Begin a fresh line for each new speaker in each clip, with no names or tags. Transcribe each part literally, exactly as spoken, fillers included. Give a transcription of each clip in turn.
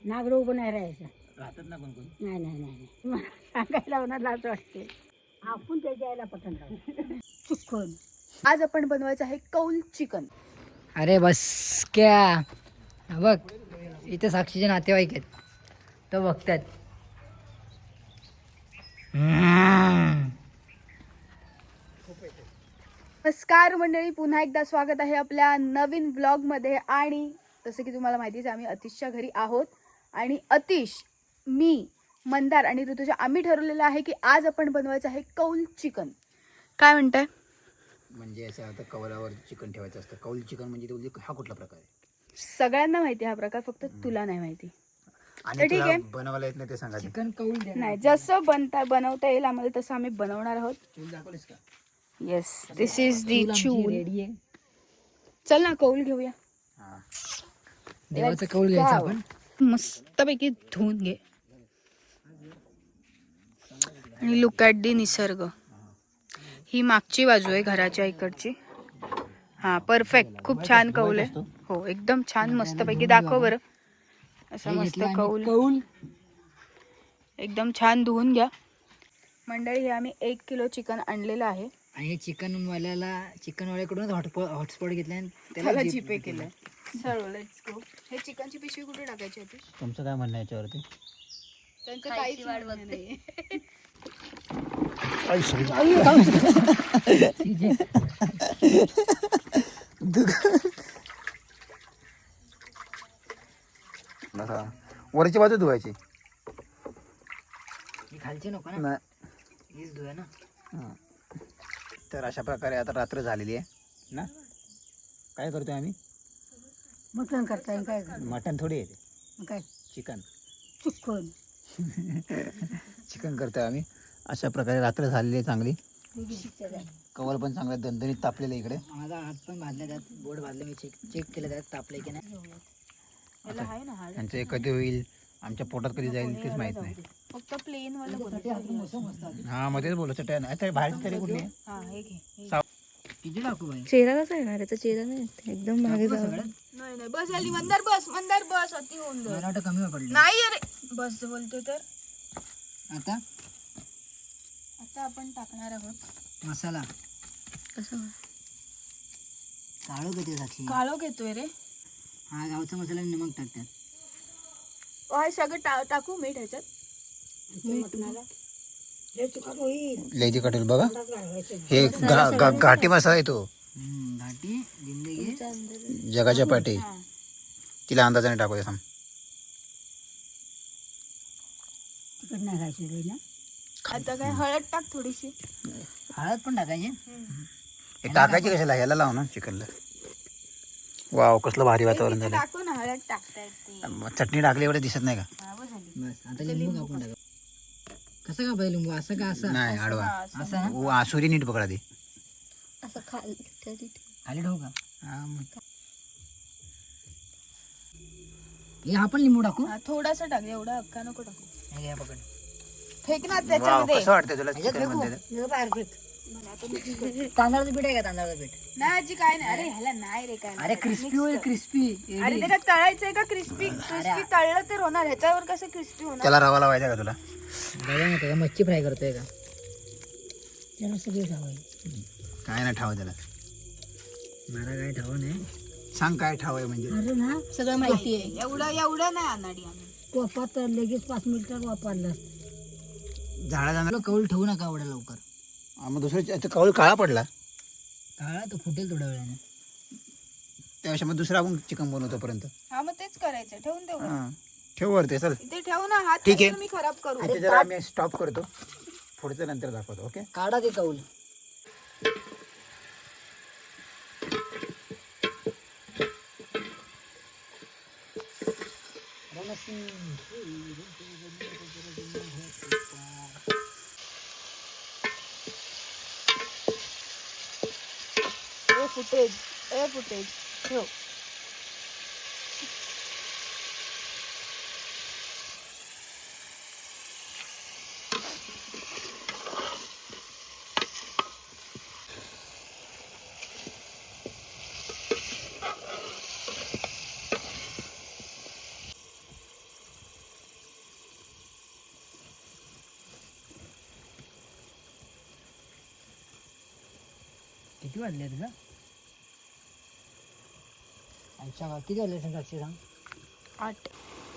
नागरोग पण नाही राहायचा.
राहतात ना कोण कोण.
नाही नाही नाही नाही. मला सांगायला मला लाज वाटते. आपण त्याच्या यायला पटन लावू चुकून.
आज आपण बनवायचं आहे कौल चिकन.
अरे बस क्या बघ इथे साक्षीचे नातेवाईक आहेत तो बघतात.
नमस्कार मंडळी, पुन्हा एकदा स्वागत आहे आपल्या नवीन व्लॉगमध्ये. आणि जसं की तुम्हाला माहितीच आहे, आम्ही अतिशच्या घरी आहोत आणि अतिश, मी, मंदार आणि ऋतुजा आम्ही ठरवलेलं आहे की आज आपण बनवायचं आहे कौल चिकन. काय म्हणताय?
म्हणजे असं आता कवलावर चिकन ठेवायचं असतं. कौल चिकन म्हणजे ते हा कुठला प्रकार आहे?
सगळ्यांना माहिती आहे हा प्रकार, फक्त तुला नाही माहिती.
आणि
तर ठीक
तुला
आहे.
बनवायला येत नाही ते सांगा.
चिकन कौल द्या.
नाही, जसं बनता बनवता येईल आम्हाला तसं आम्ही बनवणार आहोत.
चूल दाखवलीस का?
येस, दिस इज दी चूल.
रेडी आहे.
चल ना, कौल घेऊया.
हा.
देवाचं कौल घ्यायचं आपण.
मस्तपैकी धुवून घे आणि लुक ॲट दी निसर्ग. ही मागची बाजू आहे घराच्या इकडची. हा, परफेक्ट. खूप छान कौल आहे. हो, एकदम छान, मस्तपैकी. दाखव बरं. असं मस्त कौल
कौल
एकदम छान धुवून घ्या. मंडळी, हे आम्ही एक किलो चिकन आणलेलं आहे
आणि चिकन वाल्याला चिकन वाल्याकडून हॉटस्पॉट हॉटस्पॉट घेतला आणि
त्याला जीपे केलं. चलो लेट्स गो. हे चिकनची पिशवी कुठे टाकायची होती?
तुमचं काय म्हणणं आहे याच्यावरती?
त्यांचं काहीच म्हणणं नाहीये.
वरची बाजू धुवायची.
खालची नको ना,
नाही.
हीच धुया ना.
हा. तर अशा प्रकारे आता रात्र झालेली आहे ना. काय करतोय आम्ही?
मटण करताय काय
मटण थोडी येते,
काय
चिकन.
चुकून
चिकन करतोय आम्ही. अशा प्रकारे रात्र झालेली आहे चांगली. कवल पण चांगल्या दणदणीत तापलेलं आहे इकडे.
माझा हात पण भाजला, त्यात बोट भाजले. मी चेक चेक केलं त्यात तापले की नाही.
याला आहे ना हाड.
त्यांचे कधी होईल, आमच्या पोटात कधी जाईल तेच माहित नाही.
फक्त प्लेन वाला बनवतो.
हा, मग तेच बोलायचं टॅन. आता बाहेर तरी कुठली आहे?
हा, हे घे. हे.
किती टाकू बाई?
चेहरा कसा येणार? याचा चेहरा नाही एकदम मागे
टाकू का
जाऊ.
सगळं?
नाही नाही, बस आली. मंदार बस, मंदार बस. अति होऊन जाईल.
मला वाटतं कमी पडलं.
नाही अरे, बस बोलतो तर.
आता
आता आपण टाकणार आहोत
मसाला.
कसं
काळो घेते साक्षी.
काळो घेतोय रे.
हा, गावचा मसाला आणि नमक टाकतात.
हे सगळं टा- टाकू मीठ ह्याच्यात.
लय तिखट होईल बघा. हे गा- गा- घाटी मसाला आहे तो.
हम्म, घाटी जिंदगी.
जगाच्या पाठी. तिला अंदाजाने टाकू थांब.
तिकड नाही खायची ना.
आता काय हळद टाक थोडीशी.
हळद पण टाकायची.
हे टाकायची कशाला? ह्याला लाव ना चिकनला. वाव, कसलं भारी वातावरण झालं.
टाकू ना, हळद टाकता येते.
मग चटणी टाकली एवढे दिसत नाही का?
हा, बस झाली.
बस आता लिंबू कापून टाका. कसं का पाहिजे लिंबू? असं का? असं
नाही, आडवा.
असं ना.
ओ, आसुरी नीट पकडा दे.
असं खाली
खाली ठेवू का?
हा, मग.
हे आपण लिंबू टाकू.
थोडासा टाक, एवढा अक्का नको टाकू.
हे घ्या पकड.
फेक ना
वाव,
त्याच्यामध्ये.
कसं वाटतंय तुला
ह्याच्यात
चिकन
फेकू?
मध्ये?
बाहेर फेक.
तांदळाचं पीठ आहे का? तांदळाचं पीठ.
नाही आजी, काय नाही. अरे ह्याला नाही रे, काय
अरे
नाही.
क्रिस्पी होईल, क्रिस्पी.
अरे ते काय तळायचंय का? क्रिस्पी क्रिस्पी तळलं तर होणार. ह्याच्यावर कसं क्रिस्पी होणार?
त्याला रवा लावायचा का तुला?
बघा ना, त्याला मच्छी फ्राय करतोय का?
त्याला सगळी खावायची.
काय नाही ठाव त्याला.
मला काय ठाव नाही.
सांग काय ठाव आहे म्हणजे.
अरे ना,
सगळं माहिती आहे. एवढं एवढं नाही अनाडी आम्ही.
वापात लगेच पाच मिनिटात वापरला.
झाडा जाणार.
आपलं कौल ठेवू नका एवढ्या लवकर.
मग दुसरं कौल काळा पडला
काळा तो फुटेल थोड्या वेळाने.
त्यापेक्षा मग दुसरा आपण चिकन बनवतो पर्यंत.
हा, मग तेच करायचं. ठेवून देऊ.
हा, ठेव वरती. चल
इथे ठेवू ना. हात
ठीक आहे.
मी खराब करू.
इथे जरा आम्ही स्टॉप करतो. पुढचं नंतर दाखवतो. ओके.
काढा ते कौल.
ए फुटेज, ए फुटेज ठेव.
किती वाजले तुला अच्छा किती वाजले साक्षी सांग
आठ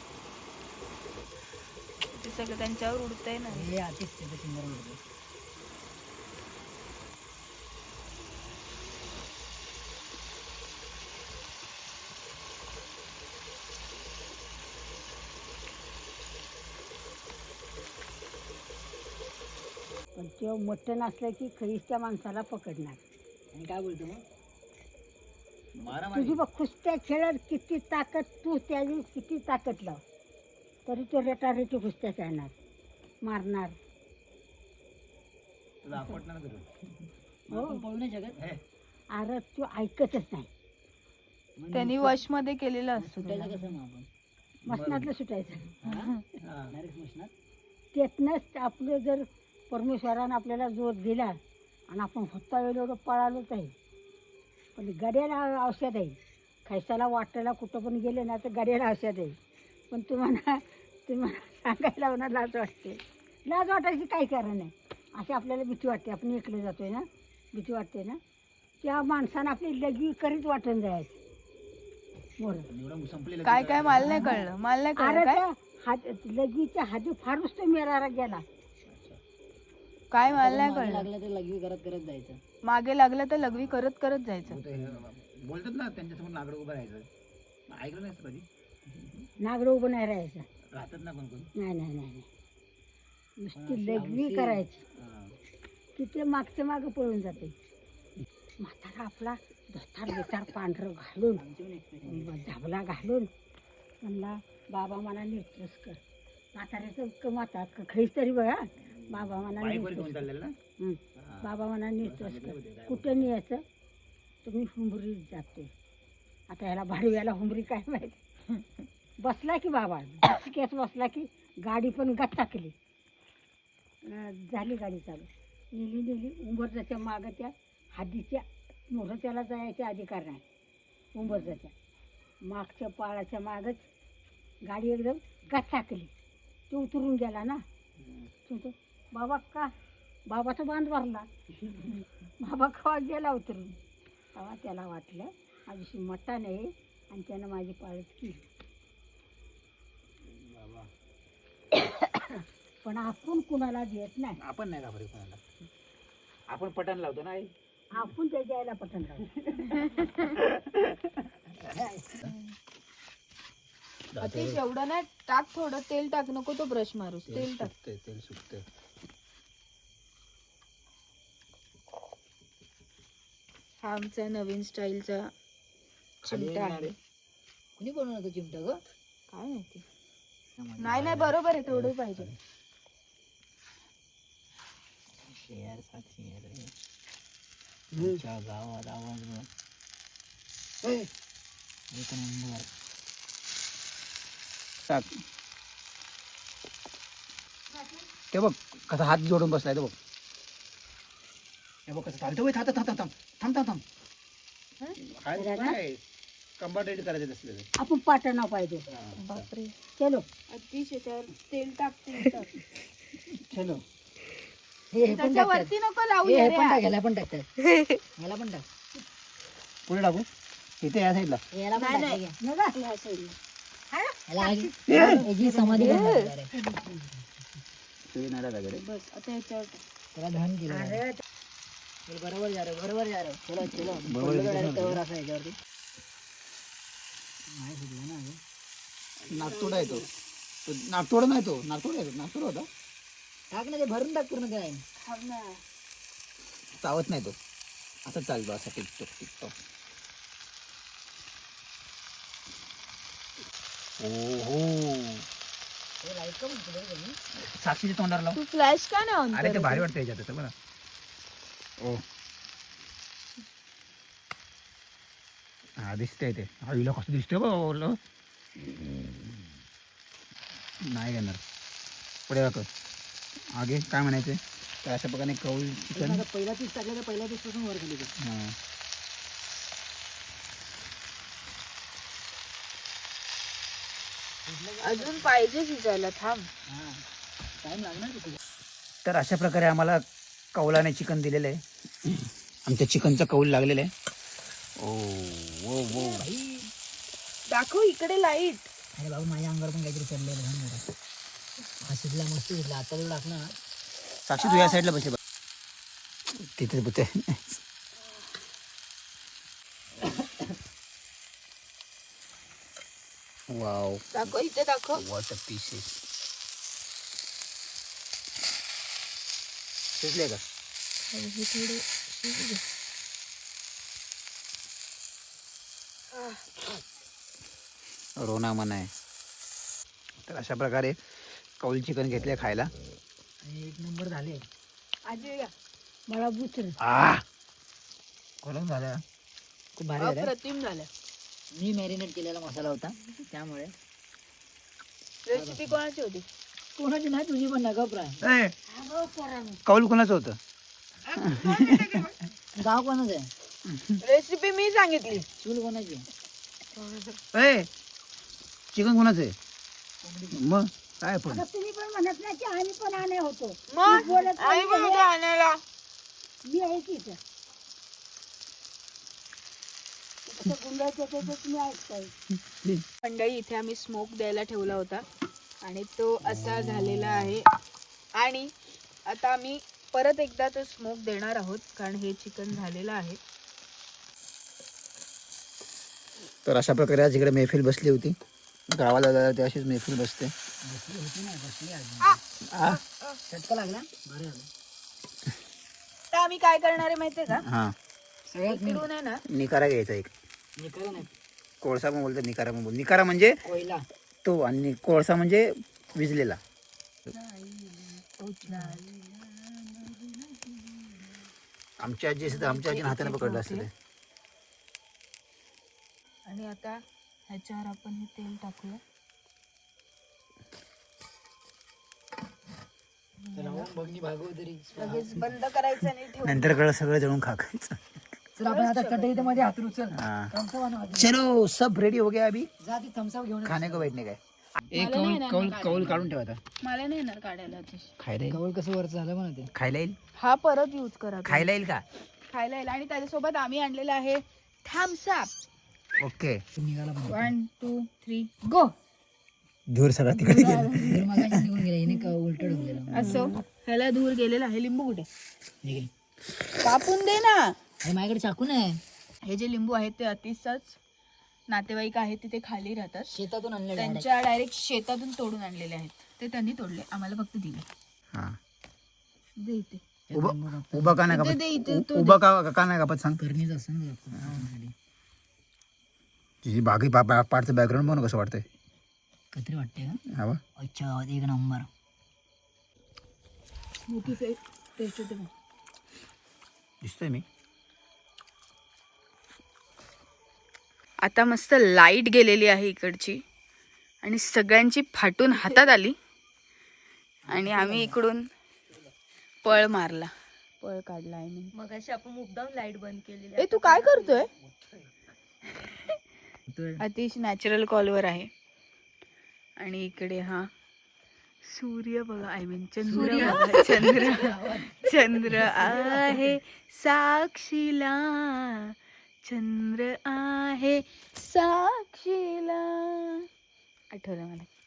ते सगळं त्यांच्यावर उडतंय ना.
हे आधीच तिथे सुंदर उडते.
पण तेव्हा मटण असलं की खरीच त्या माणसाला पकडणार.
आणि काय बोलतो मग
मारा
तुझी बघ कुस्त्या खेळत किती ताकद, तू त्याची किती ताकद लाव तरी तो रेटारेटी कुस्त्या खेळणार, मारणार.
तुला आपटणार करू
हो
पळू नाही शकत
अरे तू ऐकतच नाही.
त्यांनी वश मध्ये केलेलं असतं.
सुटायचं कसं मग आपण
मसनातलं सुटायचं.
डायरेक्ट मशनात
त्यातनंच आपलं जर परमेश्वरानं आपल्याला जोर दिला आणि आपण होता वेळ एवढं पळालोच आहे. पण गड्याला औषध आहे. खैसाला वाटायला कुठं पण गेले ना तर गड्याला औषध आहे. पण तुम्हाला तुम्हाला सांगायला होणार लाज वाटते. लाज वाटायची काही कारण नाही. अशी आपल्याला भीती वाटते. आपण एकले जातोय ना, भीती वाटते ना. त्या माणसानं आपली लगी करीत वाटून जायचं. बरं
संपलेलं
काय काय मला नाही कळलं मला नाही
अरे
कळलं काय
त्या हात लगीच्या हाती फारच तो मेरारा गेला.
काय मला नाही कळलं.
लागलं तर लघवी करत करत जायचं.
मागे लागलं तर लघवी करत करत जायचं.
बोलतात ना त्यांच्यासमोर नागडं उभं राहायचं. ऐकलं नाही कधी
नागडं उभं नाही राहायचं.
राहतात ना कोण कोण
नाही नाही नाही नाही. नुसती लघवी करायची की ते मागच्या मागं पळून जाते. म्हातारा आपला धोतार बितार पांढरं घालून झाबला घालून म्हणला बाबा मला निर्तस कर. म्हाताऱ्याचं क माता खैस तरी बघा. बाबा मला निर्तस कर. हं. बाबा मला निर्तस कर. कुठं न्यायचं तुम्ही हुंबरीत जाते. आता ह्याला भाडव्याला हुंबरी काय माहिती. बसला की बाबा केस बसला की गाडी पण गच्चाकली. झाली गाडी चालू. नेली नेली उंबरजाच्या मागं त्या हद्दीच्या मोहर त्याला जायचे अधिकार नाही. उंबरजाच्या मागच्या पाळाच्या मागच गाडी एकदम गच्चाकली. तो उतरून गेला ना. तो बाबा का बाबाचा बांध भरला. बाबा कवा गेला उतरून. तेव्हा त्याला वाटलं आजशी मट्टा नाही आणि त्यानं माझी पाळत केली. पण आपण कुणाला देत नाही.
आपण नाही घाबरत कोणाला. आपण पटण लावतो ना आई.
आपण त्याच्या आईला पटन
अतिश एवढं नाही टाक, थोडं तेल टाक. नको तो ब्रश मारूस. तेल टाक.
सुटते तेल सुटते.
हा आमचा नवीन स्टाईलचा चिमटा आहे.
कुणी बनवलं तो चिमटा ग
काय माहिती. नाही नाही बरोबर आहे. थोडं पाहिजे.
शेअर साक्षी तुमच्या गावात आवाज एक नंबर. टाक. ते बघ कसा हात जोडून बसलाय तो बघ. हे बघ कसं चालतं. थांब थांब थांब थांब थांब थांब. काय कंबाट रेडी करायचं असलेलं.
आपण पाटणा पाहिजे.
बापरे.
चलो
अतिशय त्यावर तेल टाक. तेल टाक.
चलो.
हे हे पण
त्याच्या
टाकतात.
वरती नको लावू.
हे हे
रे
पण
यार.
टाक ह्याला पण टाकतात. ह्याला पण टाक.
पुढे टाकू. इथे या साईडला
ह्याला पण
नाही,
टाक.
नाही.
हे घे.
नका
ह्या साईडला.
ह्याला आगी- याची समाधी पण टाकणार आहे.
ते नाही टाकायचं रे.
बस आता ह्याच्यावर टाक.
त्याला धन केलं आहे.
अरे
चल, बरोबर जा रे बरोबर जा रे. चलो चलो
बरोबर
पडलं
दिसत
direct
नव्हतं.
वर असं ह्याच्यावरती नाही सुटलं ना अगं.
नागतोडा आहे तो. तो नागतोडा नाही तो. नागतोडा आहे तो. नागतोडा होता.
टाक ना ते भरून टाक पूर्ण काय.
थांब ना.
चावत नाही तो. असं चालतो असा टिकटॉक टिकटॉक. ओहो
हे लाईट का म्हणतो बरं तुम्ही?
साक्षीच्या तोंडाला लाव.
तू फ्लॅश का नाही ऑन
अरे ते
करत?
भारी वाटतं याच्यात आता बघा. ओ हा दिसतंय ते. आईला कसं दिसतंय बघ. नाही घेणार. पुढे दाखव. आगे काय म्हणायचं. तर अशा प्रकारे कौल चिकन.
आता पहिला पीस टाकलं तर पहिल्या पीस पासून वर खाली कर.
हां
अजून पाहिजे शिजायला. थांब.
हा टाइम लागणार की तुझा.
तर अशा प्रकारे आम्हाला कौलाने चिकन दिलेलं आहे. आमच्या चिकनचा कौल लागलेला आहे. ओ वो वो
दाखव इकडे लाईट.
अरे बाबा माझ्या अंगावर पण काहीतरी चढलेलं आहे जरा. हा शिजला मस्त शिजला. आता तो टाकला ना.
साक्षी तू या साईडला बसले तिथे बघते. वाव
दाखव इथे दाखव.
What a pieces. शिजले का?
हे थोडे
रोना मना आहे. तर अशा प्रकारे कौल चिकन घेतले खायला.
आणि एक नंबर झाले.
आजी या.
मला बुचर
आ कोलम झाला.
खूप भारी झालं.
अप्रतिम झालं.
मी मॅरिनेट केलेला मसाला होता त्यामुळे.
रेसिपी कोणाची होती?
कोणाची नाही तुझी पण नका प्राय.
कौल कोणाचं होतं?
गाव कोणाचं आहे?
रेसिपी मी सांगितली.
चूल कोणाची?
ए चिकन कोणाचं आहे? मग काय पण
आता तुम्ही पण म्हणत नाही की आम्ही पण आणे होतो.
मग
मी बोलत
आई
नाही
पण
आहे.
होती आणायला.
मी आहे की इथं. इथं गुंडाच्या त्याच्यात तुम्ही ऐकताय.
मंडळी इथे आम्ही स्मोक द्यायला ठेवला होता आणि तो असा झालेला आहे. आणि आता आम्ही परत एकदा तो स्मोक देणार आहोत कारण हे चिकन झालेलं आहे.
तर अशा प्रकारे आज इकडे मैफिल बसली होती. गावाला जायला ते अशीच मैफिल बसते. आ?
चटका लागला. बरं झालं.
तर आम्ही काय करणार आहे माहितीये का?
हा
सगळ्यात
इकडून आहे ना
निकारा घ्यायचा एक.
निकाला नाही.
कोळसा पण बोलतो निकारा पण बोल. निकारा म्हणजे
कोयला.
तो आणि कोळसा म्हणजे विजलेला. आमच्या आजी असते आमच्या आजीने हाताने पकडलं असतं ते.
आणि आता ह्याच्यावर आपण हे तेल टाकूया.
बघणी भागवतरी.
लगेच बंद करायचं आणि ठेवू.
नंतर कळलं सगळं जळून खाकायचं.
तर आपण आता कढईत मध्ये हात उचल.
हाँ
थम्सअप आणू आधी.
चलो सब रेडी हो गया अभी
जा ती थम्सअप घेऊन ये.
खाने को बैठने का. एक
मला
कौल
नाही येणार
कौल
काढायला.
कौल काढून ठेवा.
मला नाही येणार काढायला अतिश.
खायला येईल.
गवळ कसं वरचं झालं म्हणा ते.
खायला येईल.
हा परत यूज करा तुम्ही.
खायला येईल का?
खायला येईल. आणि त्याच्यासोबत आम्ही आणलेला आहे थम्सअप.
ओके.
निघाला पण.
One two three go.
धूर सगळा तिकडे गेला.
तर मगाशी निघून गेला. हिने का उलट ढकललेलं.
असो ह्याला धूर गेलेला आहे. लिंबू कुठे?
निघेल.
कापून दे ना.
अरे माझ्याकडे चाकू नाही.
हे जे लिंबू आहेत ते अतिशच नातेवाईक आहेत तिथे खाली राहतात.
शेतातून आणलेलं आहे.
त्यांच्या डायरेक्ट शेतातून तोडून आणलेले आहेत. ते त्यांनी तोडले. आम्हाला फक्त दिले.
हा
दे इथे.
उभा उभा का नाही
इथे दे, इथे
कापत?
तो
उभा का का नाही कापत सांग.
करणीच असतं ना जरा.
तुझी बाकी पार्टचं बॅकग्राऊंड म्हणून कसं वाटतंय?
कत्री वाटते का?
हवा
अच्छा एक नंबर.
मोठी टेस्ट होते मग.
दिसतोय मी.
आता मस्त लाईट गेलेली आहे इकडची आणि सगळ्यांची फाटून हातात आली आणि आम्ही इकडून पळ मारला. पळ काढला आहे मी.
मग अशी आपण मुद्दाम लाईट बंद केलेली.
ए तू काय करतोय? अतिश नॅचरल कॉलवर आहे. आणि इकडे हा सूर्य बघा. आय मीन चंद्र बघा. चंद्र चंद्र आहे साक्षीला. चंद्र आहे साक्षीला. आठवलं मला.